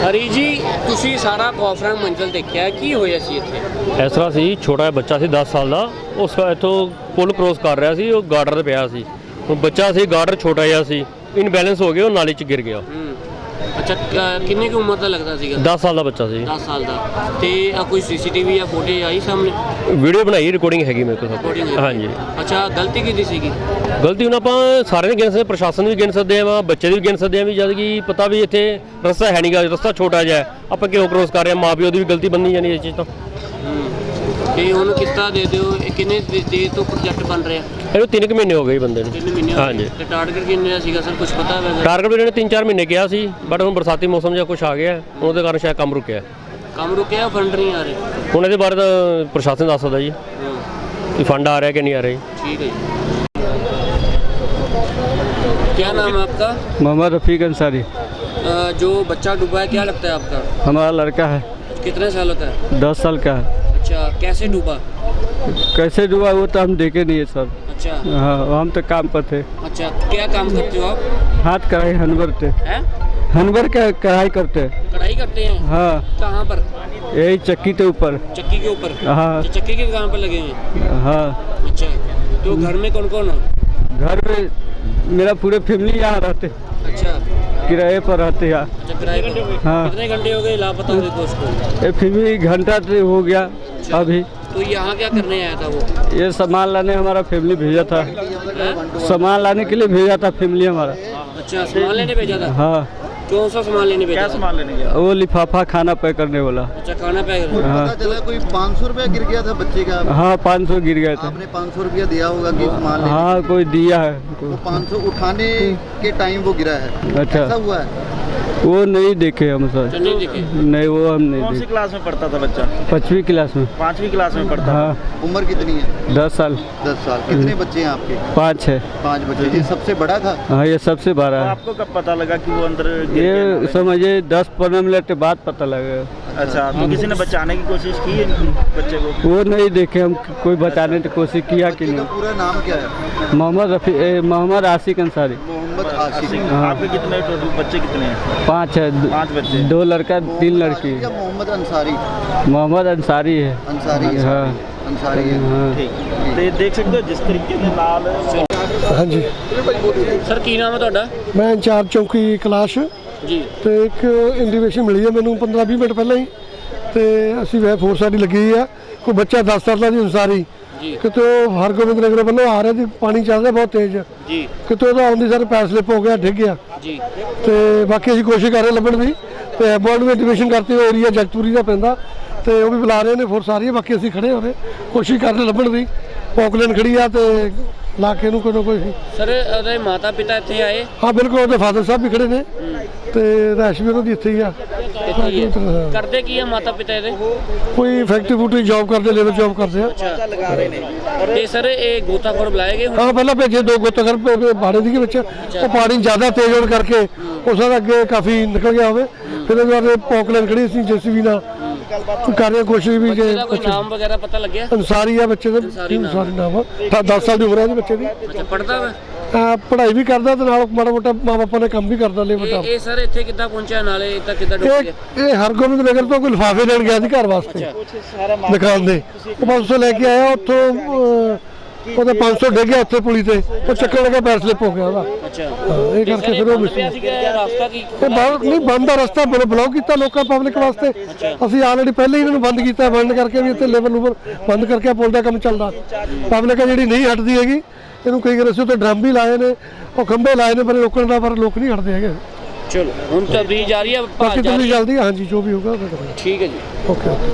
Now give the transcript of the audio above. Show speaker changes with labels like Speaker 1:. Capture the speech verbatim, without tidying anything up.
Speaker 1: ਹਰੀ ਜੀ, ਤੁਸੀਂ ਸਾਰਾ ਕੌਫਰਾਂ ਮੰਜ਼ਲ ਦੇਖਿਆ, ਕੀ ਹੋਇਆ ਸੀ ਇੱਥੇ?
Speaker 2: ਇਸ ਤਰ੍ਹਾਂ ਸੀ, ਛੋਟਾ ਜਿਹਾ ਬੱਚਾ ਸੀ ਦਸ ਸਾਲ ਦਾ, ਉਸ ਇੱਥੋਂ ਪੁਲ ਕ੍ਰੋਸ ਕਰ ਰਿਹਾ ਸੀ, ਉਹ ਗਾਰਡਰ 'ਤੇ ਪਿਆ ਸੀ। ਉਹ ਬੱਚਾ ਸੀ, ਗਾਰਡਰ ਛੋਟਾ ਜਿਹਾ ਸੀ, ਇਨਬੈਲੈਂਸ ਹੋ ਗਿਆ, ਉਹ ਨਾਲੀ 'ਚ ਗਿਰ ਗਿਆ।
Speaker 1: ਅੱਛਾ, ਕਿੰਨੀ ਕੁ ਉਮਰ ਦਾ ਲੱਗਦਾ ਸੀਗਾ?
Speaker 2: ਦਸ ਸਾਲ ਦਾ ਬੱਚਾ ਸੀ।
Speaker 1: ਦਸ ਸਾਲ ਦਾ। ਤੇ ਆ ਕੋਈ ਸੀਸੀਟੀਵੀ ਜਾਂ ਫੋਟੇਜ ਆਈ ਸਾਹਮਣੇ?
Speaker 2: ਵੀਡੀਓ ਬਣਾਈ, ਰਿਕਾਰਡਿੰਗ ਹੈਗੀ ਮੇਰੇ ਕੋਲ। ਹਾਂਜੀ।
Speaker 1: ਅੱਛਾ, ਗਲਤੀ ਕਿਹਦੀ ਸੀਗੀ?
Speaker 2: ਗਲਤੀ ਹੁਣ ਆਪਾਂ ਸਾਰੇ ਨੇ ਗਿਣ ਸਕਦੇ, ਪ੍ਰਸ਼ਾਸਨ ਵੀ ਗਿਣ ਸਕਦੇ ਆ, ਬੱਚੇ ਦੀ ਵੀ ਗਿਣ ਸਕਦੇ ਆ, ਵੀ ਜਦ ਕਿ ਪਤਾ ਵੀ ਇੱਥੇ ਰਸਤਾ ਹੈ ਨਹੀਂਗਾ, ਰਸਤਾ ਛੋਟਾ ਜਿਹਾ, ਆਪਾਂ ਕਿਉਂ ਕ੍ਰੋਸ ਕਰ ਰਹੇ ਹਾਂ, ਮਾਂ ਪਿਓ ਦੀ ਵੀ ਗਲਤੀ ਬੰਨੀ ਜਾਣੀ ਇਸ ਚੀਜ਼ ਤੋਂ।
Speaker 1: ਤੇ ਹੁਣ ਕਿਸ ਤਰ੍ਹਾਂ ਦੇ ਦਿਓ, ਕਿੰਨੇ ਦੇਰ ਤੋਂ ਪ੍ਰੋਜੈਕਟ ਬਣ ਰਿਹਾ?
Speaker 2: ਇਹਨੂੰ ਤਿੰਨ ਕੁ ਮਹੀਨੇ ਹੋ ਗਏ ਬੰਦੇ ਨੂੰ।
Speaker 1: ਤਿੰਨ ਮਹੀਨੇ? ਹਾਂਜੀ। ਤੇ ਟਾਰਗੇਟ ਕਿੰਨੇ ਦਾ ਸੀਗਾ ਸਰ, ਕੁਝ ਪਤਾ ਹੈ?
Speaker 2: ਟਾਰਗੇਟ ਵੀ ਇਹਨੇ ਤਿੰਨ ਚਾਰ ਮਹੀਨੇ ਕਿਹਾ ਸੀ, ਬਟ ਹੁਣ ਬਰਸਾਤੀ ਮੌਸਮ ਜਿਹਾ ਕੁਛ ਆ ਗਿਆ, ਉਹਦੇ ਕਾਰਨ ਸ਼ਾਇਦ ਕੰਮ ਰੁਕਿਆ।
Speaker 1: ਕੰਮ ਰੁਕਿਆ, ਫੰਡ ਨਹੀਂ ਆ ਰਹੇ?
Speaker 2: ਹੁਣ ਇਹਦੇ ਬਾਰੇ ਤਾਂ ਪ੍ਰਸ਼ਾਸਨ ਦੱਸ ਸਕਦਾ ਜੀ कि फंड आ रहा है कि नहीं आ रही।
Speaker 1: ठीक है। क्या नाम है आपका?
Speaker 3: मोहम्मद रफ़ीक अंसारी।
Speaker 1: जो बच्चा डूबा है, क्या लगता है आपका?
Speaker 3: हमारा लड़का है।
Speaker 1: कितने सालों का है?
Speaker 3: दस साल का है।
Speaker 1: अच्छा, कैसे डूबा?
Speaker 3: कैसे डूबा वो तो हम देखे नहीं है सर।
Speaker 1: अच्छा।
Speaker 3: हाँ, हम तो काम पर थे।
Speaker 1: अच्छा, क्या काम करते हो आप?
Speaker 3: हाथ कढ़ाई हनवर थे।
Speaker 1: हैं? हनवर
Speaker 3: का कढ़ाई करते हैं।
Speaker 1: कढ़ाई करते हैं?
Speaker 3: हाँ।
Speaker 1: कहाँ पर?
Speaker 3: यही चक्की के ऊपर।
Speaker 1: चक्की के ऊपर?
Speaker 3: हाँ।
Speaker 1: चक्की के काम पर लगे हैं?
Speaker 3: हाँ।
Speaker 1: अच्छा, तो घर में कौन कौन है?
Speaker 3: घर में मेरा पूरे फैमिली यहाँ रहते।
Speaker 1: अच्छा,
Speaker 3: किराए पर रहते यहाँ।
Speaker 1: अच्छा, किराए पर। हाँ। कितने घंटे हो गए लापता हुए को उसको?
Speaker 3: ये फैमिली घंटा हो गया। अच्छा। अभी
Speaker 1: तो यहाँ क्या करने आया था वो?
Speaker 3: ये सामान लाने हमारा फैमिली भेजा था। सामान लाने के लिए भेजा था फैमिली हमारा।
Speaker 1: अच्छा, सामान लेने भेजा था?
Speaker 3: हाँ।
Speaker 1: कौन सा सामान लेने भेजा? क्या सामान लेने गया?
Speaker 3: वो लिफाफा खाना पैक करने वाला।
Speaker 1: अच्छा, खाना पैक करने।
Speaker 3: हाँ।
Speaker 4: पता चला कोई पाँच सौ रुपया गिर गया था बच्चे का।
Speaker 3: हाँ, पाँच सौ गिर गए थे।
Speaker 4: आपने पाँच सौ रुपया दिया होगा कि सामान लेने?
Speaker 3: हाँ, कोई दिया है।
Speaker 4: वो पाँच सौ उठाने के टाइम वो गिरा है।
Speaker 3: अच्छा,
Speaker 4: ऐसा हुआ है?
Speaker 3: वो नहीं देखे हम सर।
Speaker 1: नहीं देखे?
Speaker 3: नहीं, वो हम नहीं
Speaker 5: कौन सी
Speaker 3: देखे।
Speaker 5: क्लास में पढ़ता था बच्चा?
Speaker 3: पाँचवीं क्लास में।
Speaker 5: पाँचवीं क्लास में पढ़ता
Speaker 3: हाँ।
Speaker 4: उम्र कितनी है?
Speaker 3: दस साल।
Speaker 4: दस साल। कितने बच्चे हैं आपके?
Speaker 3: पाँच है।
Speaker 4: पाँच बच्चे। ये सबसे बड़ा था?
Speaker 3: हाँ, ये सबसे बड़ा
Speaker 5: तो
Speaker 3: है।
Speaker 5: आपको कब पता लगा कि वो अंदर गिर गया
Speaker 3: ये
Speaker 5: नाले?
Speaker 3: समझिए दस पंद्रह मिनट के बाद पता लगा।
Speaker 5: अच्छा, तो किसी ने बचाने की कोशिश की है बच्चे को?
Speaker 3: वो नहीं देखे हम, कोई बचाने की कोशिश किया कि
Speaker 4: बच्चे का
Speaker 3: नहीं।
Speaker 4: पूरा नाम क्या है?
Speaker 3: मोहम्मद रफी ए, मोहम्मद आशिक अंसारी।
Speaker 4: मोहम्मद आशिक।
Speaker 3: हाँ।
Speaker 5: आपके कितने टोटल बच्चे कितने हैं?
Speaker 3: पाँच है।
Speaker 5: पाँच बच्चे।
Speaker 3: दो लड़का तीन लड़की।
Speaker 4: या मोहम्मद अंसारी?
Speaker 3: मोहम्मद अंसारी है।
Speaker 4: अंसारी है।
Speaker 3: हाँ।
Speaker 4: अंसारी है।
Speaker 3: हाँ।
Speaker 5: ठीक। तो ये देख सकते हो जिस तरीके से लाल
Speaker 6: हाँ जी,
Speaker 1: सर की नाम है ਤੁਹਾਡਾ?
Speaker 6: मैं इंचार्ज चौकी कलाश
Speaker 1: जी।
Speaker 6: ਤੇ ਇੱਕ ਇੰਡੀਕੇਸ਼ਨ ਮਿਲੀ ਹੈ ਮੈਨੂੰ ਪੰਦਰਾਂ ਵੀਹ ਮਿੰਟ ਪਹਿਲਾਂ ਹੀ, ਤੇ ਅਸੀਂ ਵੈ ਫੋਰਸ ਸਾਡੀ ਲੱਗੀ ਹੋਈ ਆ। ਕੋਈ ਬੱਚਾ ਦਸ ਸਾਲ ਦਾ ਜੀ ਅੰਸਾਰੀ
Speaker 1: ਜੀ।
Speaker 6: ਕਿਤੇ ਉਹ ਹਰਗੋਬਿੰਦ ਨਗਰ ਵੱਲੋਂ ਆ ਰਿਹਾ ਸੀ, ਪਾਣੀ ਚੱਲ ਰਿਹਾ ਬਹੁਤ ਤੇਜ਼
Speaker 1: ਜੀ।
Speaker 6: ਕਿਤੇ ਉਹਦਾ ਆਉਂਦੀ ਸਰ ਪੈਰ ਸਲਿੱਪ ਹੋ ਗਿਆ, ਡਿੱਗ ਗਿਆ।
Speaker 1: ਜੀ।
Speaker 6: ਤੇ ਬਾਕੀ ਅਸੀਂ ਕੋਸ਼ਿਸ਼ ਕਰ ਰਹੇ ਲੱਭਣ ਦੀ, ਤੇ ਐਬੋਰਡ ਨੂੰ ਇੰਡੀਕੇਸ਼ਨ ਕਰਤੇ ਹੋਏ ਏਰੀਆ ਜਗਤਪੁਰੀ ਦਾ ਪੈਂਦਾ, ਤੇ ਉਹ ਵੀ ਬੁਲਾ ਰਹੇ ਨੇ ਫੋਰਸ ਆ ਰਹੀ ਹੈ। ਬਾਕੀ ਅਸੀਂ ਖੜੇ ਹੋਵੇ ਕੋਸ਼ਿਸ਼ ਕਰ ਰਹੇ ਲੱਭਣ ਦੀ। ਪੌਕਲੈਨ ਖੜੀ ਆ ਤੇ ਲਾ ਕੇ ਨੂੰ ਕੋਈ ਨਾ ਕੋਈ।
Speaker 1: ਸਰ ਉਹਦੇ ਮਾਤਾ ਪਿਤਾ ਇੱਥੇ ਆਏ?
Speaker 6: ਹਾਂ ਬਿਲਕੁਲ, ਉਹਦੇ ਫਾਦਰ ਸਾਹਿਬ ਵੀ ਖੜੇ ਨੇ, ਤੇ ਰੈਸ਼ ਵੀ ਉਹਨਾਂ ਦੀ ਇੱਥੇ ਹੀ ਆ।
Speaker 1: ਕਰਦੇ ਕੀ ਆ ਮਾਤਾ ਪਿਤਾ ਇਹਦੇ?
Speaker 6: ਕੋਈ ਫੈਕਟਰੀ ਫੂਟਰੀ ਜੌਬ ਕਰਦੇ, ਲੇਬਰ ਜੌਬ ਕਰਦੇ ਆ।
Speaker 5: लगा रहे ने।
Speaker 1: ਤੇ ਸਰ ਇਹ ਗੋਤਾਖੋਰ ਬੁਲਾਏ ਗਏ ਹੁਣ?
Speaker 6: ਹਾਂ, ਪਹਿਲਾਂ ਭੇਜੇ ਦੋ ਗੋਤਾਖੋਰ ਬਾੜੇ ਦੀ ਵਿੱਚ, ਉਹ ਪਾਣੀ ਜ਼ਿਆਦਾ ਤੇਜ਼ ਹੋਣ ਕਰਕੇ ਉਸ ਦਾ ਅੱਗੇ ਕਾਫੀ ਨਿਕਲ ਗਿਆ ਹੋਵੇ। ਫਿਰ ਉਹਦੇ ਬਾਅਦ ਪੌਕਲੈਨ ਖੜੀ ਸੀ ਜੇਸੀਬੀ ਨਾਲ ਕਰ ਰਹੇ ਕੋਸ਼ਿਸ਼ ਵੀ।
Speaker 1: ਬੱਚੇ ਦਾ ਕੋਈ ਨਾਮ ਵਗੈਰਾ ਪਤਾ ਲੱਗਿਆ?
Speaker 6: ਅੰਸਾਰੀ ਆ ਬੱਚੇ ਦਾ, ਅੰਸਾਰੀ ਨਾਮ ਆ। ਦਸ ਸਾਲ ਦੀ ਉਮਰ ਹੈ ਉਹਦੇ ਬੱਚੇ ਦੀ।
Speaker 1: ਅੱਛਾ, ਪੜਦਾ ਵਾ?
Speaker 6: ਅਹ ਪੜ੍ਹਾਈ ਵੀ ਕਰਦਾ ਤੇ ਨਾਲ ਮਾੜਾ ਮੋਟਾ ਮਾਂ ਬਾਪਾਂ ਨੇ ਕੰਮ ਵੀ ਕਰਦਾ ਲੇਬਰ ਦਾ।
Speaker 1: ਇਹ ਇਹ ਸਰ ਇੱਥੇ ਕਿੱਦਾਂ ਪਹੁੰਚਿਆ, ਨਾਲੇ ਇੱਦਾਂ ਕਿੱਦਾਂ ਡੁੱਬ ਗਿਆ?
Speaker 6: ਇਹ ਇਹ ਹਰਗੋਬਿੰਦ ਨਗਰ ਤੋਂ ਕੋਈ ਲਿਫਾਫੇ ਲੈਣ ਗਿਆ ਸੀ ਘਰ ਵਾਸਤੇ ਦੁਕਾਨ ਦੇ। ਉਹ ਪੰਜ ਸੌ ਲੈ ਕੇ ਆਇਆ ਉੱਥੋਂ, ਅਹ, ਉਹਦਾ ਪੰਜ ਸੌ ਡਿੱਗ ਗਿਆ ਉੱਥੇ ਪੁਲੀ ਤੇ, ਉਹ ਚੱਕਣ ਲੱਗਾ ਪੈਰ ਸਲਿੱਪ ਹੋ ਗਿਆ ਉਹਦਾ।
Speaker 1: ਅੱਛਾ,
Speaker 6: ਹਾਂ, ਇਹ ਕਰਕੇ ਫਿਰ ਉਹ ਮਿਸ
Speaker 1: ਪਿਆ ਸੀਗਾ ਰਸਤਾ ਕੀ?
Speaker 6: ਇਹ ਬਾਹਰ ਨਹੀਂ ਬੰਦ ਦਾ ਰਸਤਾ ਬਲੌਕ ਕੀਤਾ ਲੋਕਾਂ ਪਬਲਿਕ ਵਾਸਤੇ। ਅਸੀਂ ਆਲਰੇਡੀ ਪਹਿਲਾਂ ਹੀ ਇਹਨਾਂ ਨੂੰ ਬੰਦ ਕੀਤਾ, ਬੰਦ ਕਰਕੇ ਵੀ ਇੱਥੇ ਲੇਬਰ ਲੂਬਰ ਬੰਦ ਕਰਕੇ ਪੁਲ ਦਾ ਕੰਮ ਚੱਲਦਾ। ਪਬਲਿਕ ਆ ਜਿਹੜੀ ਨਹੀਂ ਹਟਦੀ ਹੈਗੀ, ਇਹਨੂੰ ਕਈ ਵਾਰ ਅਸੀਂ ਉੱਥੇ ਡਰਮ ਵੀ ਲਾਏ ਨੇ, ਉਹ ਖੰਭੇ ਲਾਏ ਨੇ ਪਰ ਰੋਕਣ ਦਾ, ਪਰ ਲੋਕ ਨਹੀਂ ਹਟਦੇ ਹੈਗੇ।
Speaker 1: ਚਲੋ ਹੁਣ ਤਬਦੀਲ ਜਾਰੀ ਹੈ,
Speaker 6: ਬਾਕੀ ਤੁਸੀਂ ਜਲਦੀ ਹਾਂਜੀ ਜੋ ਵੀ ਹੋਊਗਾ।
Speaker 1: ਠੀਕ ਹੈ ਜੀ।
Speaker 6: ਓਕੇ।